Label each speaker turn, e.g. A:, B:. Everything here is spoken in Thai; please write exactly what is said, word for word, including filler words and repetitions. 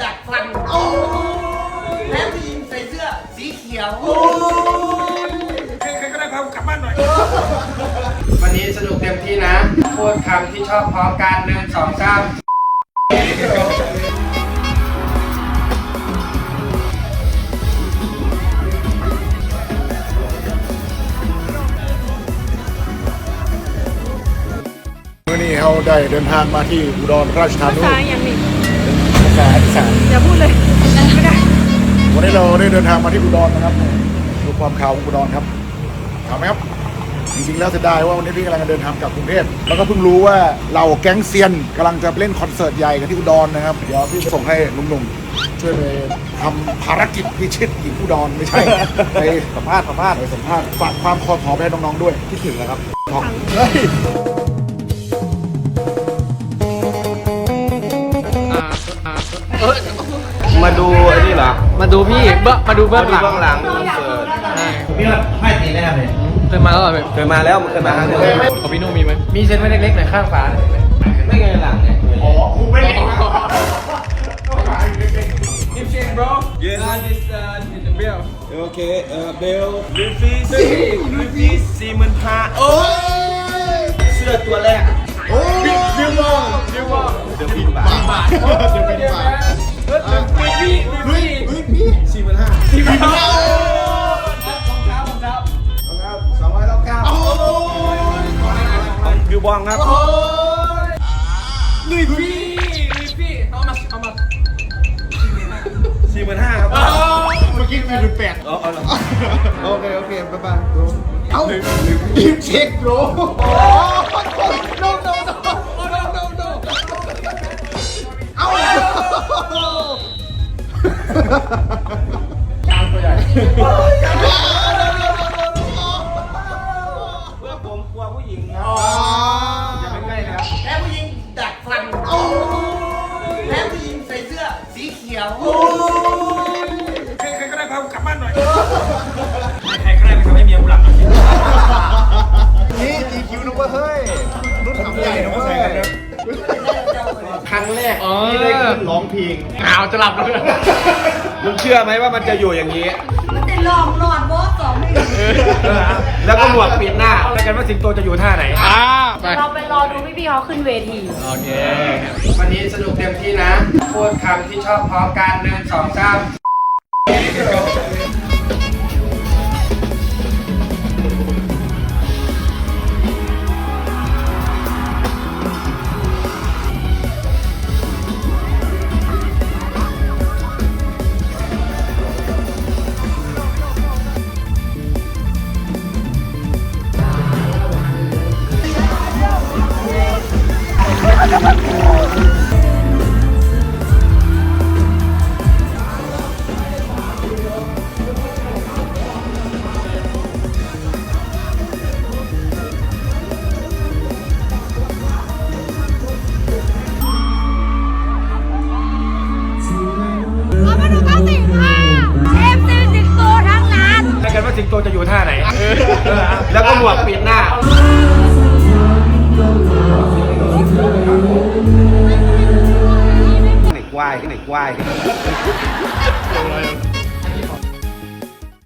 A: ดัดฟันโอ้แล้วผู้หญิงใส่เสื้อสีเขียวโอ้ใครๆก็ได้พากลับบ้านหน่อย
B: วันนี้สนุกเต็มที่นะพูดคำที่ชอบพร้อมกันหนึ่งสองสาม
C: วันนี้เขาได้เดินทางมาที่อุดรราชธานี
D: ภาษาอย่างนี้
C: ภาษาอีสาน
D: อย่าพูดเลยไม่ได้
C: วันนี้เราได้เดินทางมาที่อุดรนะครับดูความข่าวของอุดรครับข่าวไหมครับจริงๆแล้วเสียดายว่าวันนี้พี่กำลังจะเดินทางกลับกรุงเทพแล้วก็เพิ่งรู้ว่าเราแก๊งเซียนกำลังจะไปเล่นคอนเสิร์ตใหญ่กันที่อุดรนะครับเดี๋ยวพี่จะส่งให้หนุ่มๆช่วยไปทำภารกิจพิชิตหญิงอุดรไม่ใช่ ไปสัมภาษณ์สัมภาษณ์ไปสัมภาษณ์ฝากความคอขอไปให้น้องๆด้วยคิดถึงนะครับทองเฮ้ย
B: มาดูไอ้นี่เหรอมาดูพี่เบื้องมาดูเบื้องหลัง
E: เบื้องหลังคอนเสิร์ต
A: พี่ว่าไม่ตีได้ครับเลย
B: เคยมาแล้วเหรอ
E: เคยมาแล้วเคยมาครั้งหนึง
B: ของพี่นุ่มมีไหมมีเซ็นไว้เล็กๆหน่อยข้างฝา
E: ไม่เคยหลังไง
C: อ๋อครูไม่ได้
E: Yes this uh the bell Okay uh bell ลูฟี่ลูฟี่สี่หมื่นห้าโอ้ยเสื้อตัวแรก
C: โอ้ยเดี๋ยวมอง
E: เดี๋ยวว่าเดี๋ยวบินบาท
C: บาทเดี๋ยวเป็นบาท
E: ลูฟี่ลูฟี่
C: เฮ้ยพี่สี่หมื่นห้า
E: สี่หมื่นห้า
C: สองร้อยเก้า
E: บิวบองครับ
B: ลุยพี่ลุยพี่เอามาเอามา
E: สี่หมื่นห้าครับ
C: เมื่อกี้มีหนึ่งแปด
E: เอาเอา
C: โอเคโอเคบ๊ายบายเอ้ารีบเช็คโรโอ้ no no no no no no เอ้าช้างตัวใหญ่
E: เพื่อผมกลัวผู้หญิงครับอย่าไปใกล้นะครับ
A: แล้วผู้หญิงดัดฟันโอ้แล้วผู้หญิงใส่เสื้อสีเขียวโอ้ใครๆก็ได้พากลับบ้านหน่อยใครๆก็ได้ไปทำให้เมียกูหลับหน่อย
C: นี่จีคิวนะเว้ยเฮ้ยรุ่นขับใหญ่นะเว้ย
E: ครั้งแรก
B: อ๋อ
E: ที่ได้ขึ้นร้องเพลง
B: อ้าวจะหลับแล้ว
E: มึงเชื่อไหมว่ามันจะอยู่อย่างนี้
D: มันจะหลอกหลอดบอสสองไม่รู้
E: แล้วก็หมวกปิดหน้าแล้วกันว่าสิงโตจะอยู่ท่าไหน
B: อ่าไป
D: เราไปรอดูพี่ๆเขาขึ้นเวที
B: โอเควันนี้สนุกเต็มที่นะพูดคำที่ชอบพร้อมกันหนึ่งสองสาม
D: เรามาดูเก้าสิบห้าเอฟซีสิงโตทั้งนั้น
E: แล้วกันว่าสิงโตจะอยู่ท่าไหน แล้วก็หมวกปิดหน้าไหนควายไหนควาย